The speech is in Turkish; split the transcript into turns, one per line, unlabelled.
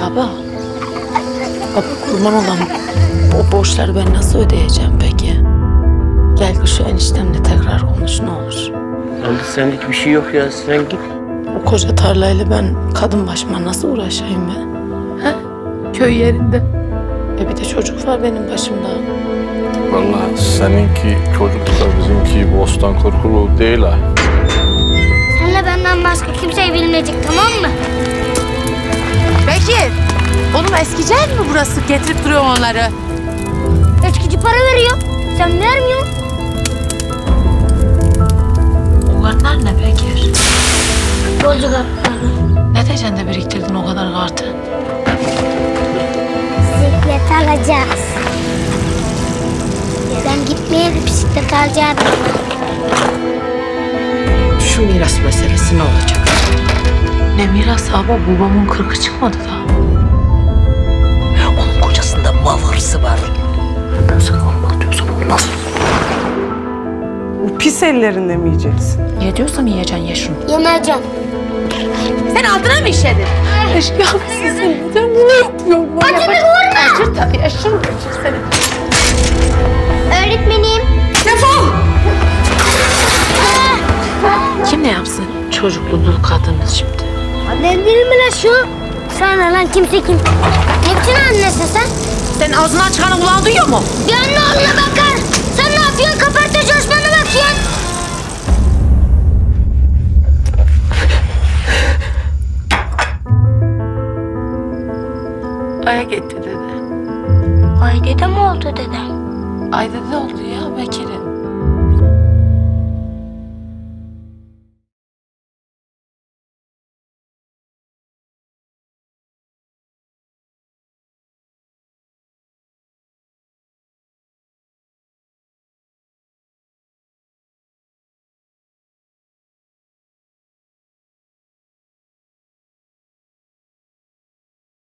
Baba. Baba kurban olan o borçları ben nasıl ödeyeceğim peki? Gel şu eniştemle tekrar konuş ne olur.
Abi senlik bir şey yok ya, sen git.
O koca tarlayla ben kadın başıma nasıl uğraşayım ben? He? Köy yerinde. Bir de çocuk var benim başımda.
Vallahi seninki çocukla bizimki bostan korkulu değil ha.
Senle benden başka kimse bilmeyecek, tamam mı?
Bekir! Oğlum eskici ev mi burası? Getirip duruyor onları.
Eskici para veriyor. Sen vermiyorsun.
Bunlar ne Bekir?
Yolcu kartları.
Ne diyeceksin de biriktirdin o kadar kartı?
Bisiklet alacağız. Ben gitmeye bir bisiklet alacağım.
Şu miras meselesi ne olacak? Ne miras abi? Babamın 40'ı çıkmadı da.
Onun kocasında mal hırsı var. Ben sana anlatıyorsam olmaz.
Bu pis ellerinde mi yiyeceksin?
Ye diyorsam yiyeceksin ye şunu.
Yemeyeceğim.
Sen altına mı işledin?
Eşkıya mısın sen? Neden bunu yapıyorsun?
Acını vurma.
Acır tabii, aşırı acır seni.
Öğretmenim.
Kim ne yapsın? Çocuklu dul kadınız şimdi.
Annen değil mi lan şu? Sana lan kimse kim? Ne biçim annesin sen?
Senin ağzından çıkanı kulağın duyuyor mu?
Gönlü oğluna bakar. Sen ne yapıyorsun? Kapartta coşmana bakıyorsun.
Aya gitti dede.
Ay dede mi oldu dede?
Ay dede oldu ya Bekir'in.